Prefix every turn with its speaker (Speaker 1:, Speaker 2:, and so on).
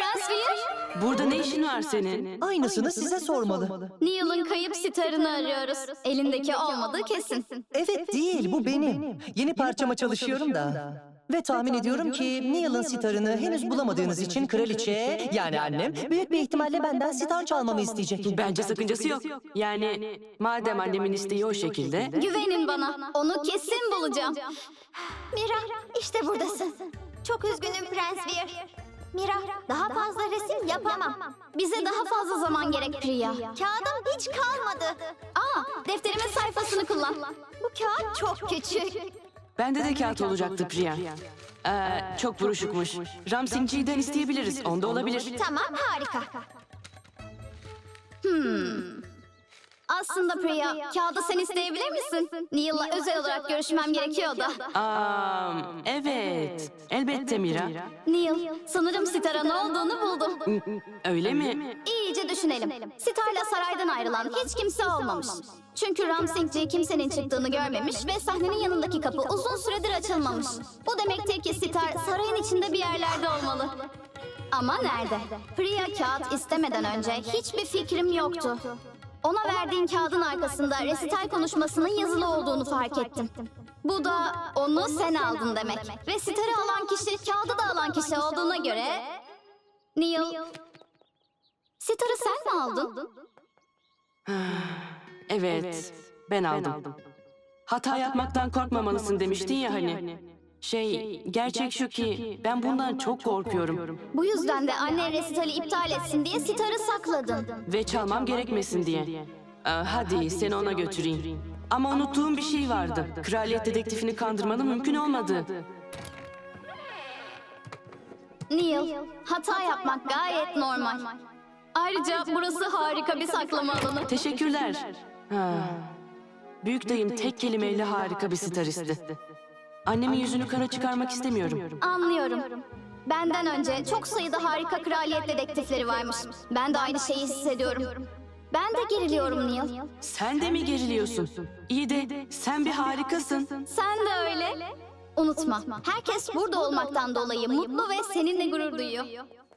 Speaker 1: Prens Veer?
Speaker 2: Burada ne işin var senin?
Speaker 3: Aynısını size sormalı.
Speaker 1: Neil'ın kayıp sitarını arıyoruz. Elindeki olmadığı kesin.
Speaker 3: Evet değil, bu benim. Yeni parçama çalışıyorum da. Ve tahmin ediyorum ki Neil'ın sitarını henüz bulamadığınız için kraliçe, yani annem, büyük bir ihtimalle benden sitar çalmamı isteyecek.
Speaker 2: Bence sakıncası yok. Yani madem annemin isteği o şekilde...
Speaker 1: Güvenin bana. Onu kesin bulacağım.
Speaker 4: Mira, işte buradasın. Çok üzgünüm Prens Veer. Mira, daha fazla resim yapamam.
Speaker 1: Bize daha fazla zaman gerek Priya.
Speaker 4: Kağıdım hiç kalmadı.
Speaker 1: Defterimin sayfasını kullan.
Speaker 4: Bu kağıt çok küçük.
Speaker 2: Bende de kağıt olacaktı Priya. Çok buruşukmuş. Ramsingci'den isteyebiliriz. Onda olabilir.
Speaker 4: Tamam, harika.
Speaker 1: Aslında Priya, kağıdı sen isteyebilir misin? Neil'la özel olarak görüşmem gerekiyor da.
Speaker 2: Evet. Elbette Mira.
Speaker 1: Neil, sanırım Sitara ne olduğunu buldu.
Speaker 2: Öyle mi?
Speaker 1: İyice düşünelim. Sitar'la saraydan ayrılan hiç kimse olmamış. Çünkü Ramsingci kimsenin çıktığını görmemiş ve sahnenin yanındaki kapı uzun süredir açılmamış. Bu demektir ki Sitar sarayın içinde bir yerlerde olmalı. Ama nerede? Priya kağıt istemeden önce hiçbir fikrim yoktu. Ona verdiğin kağıdın arkasında resital konuşmasının yazılı olduğunu fark ettim. Bu da onu sen aldın demek. Ve sitarı alan kişi, kağıdı da alan kişi olduğuna göre... Neil, sitarı sen mi aldın?
Speaker 2: Evet. Ben aldım. Hata yapmaktan korkmamalısın demiştin ya hani. Gerçek şu ki ben bundan çok korkuyorum.
Speaker 1: Bu yüzden de annen resitali iptal etsin diye sitarı sakladın.
Speaker 2: Ve çalmam gerekmesin diye. Hadi seni ona götüreyim. Ama unuttuğum bir şey vardı. Kraliyet dedektifini kandırmanın mümkün olmadığı.
Speaker 1: Neil, hata yapmak gayet normal. Ayrıca burası harika bir saklama alanı.
Speaker 2: Teşekkürler. Büyük dayım tek kelimeyle harika bir staristi. Annemin yüzünü kara çıkarmak istemiyorum.
Speaker 1: Anlıyorum. Benden önce çok sayıda harika kraliyet dedektifleri varmış. Ben de aynı şeyi hissediyorum. Ben de geriliyorum Neil.
Speaker 2: Sen de mi geriliyorsun? İyi de sen bir harikasın.
Speaker 1: Sen de öyle. Unutma, herkes burada olmaktan dolayı mutlu ve seninle gurur duyuyor.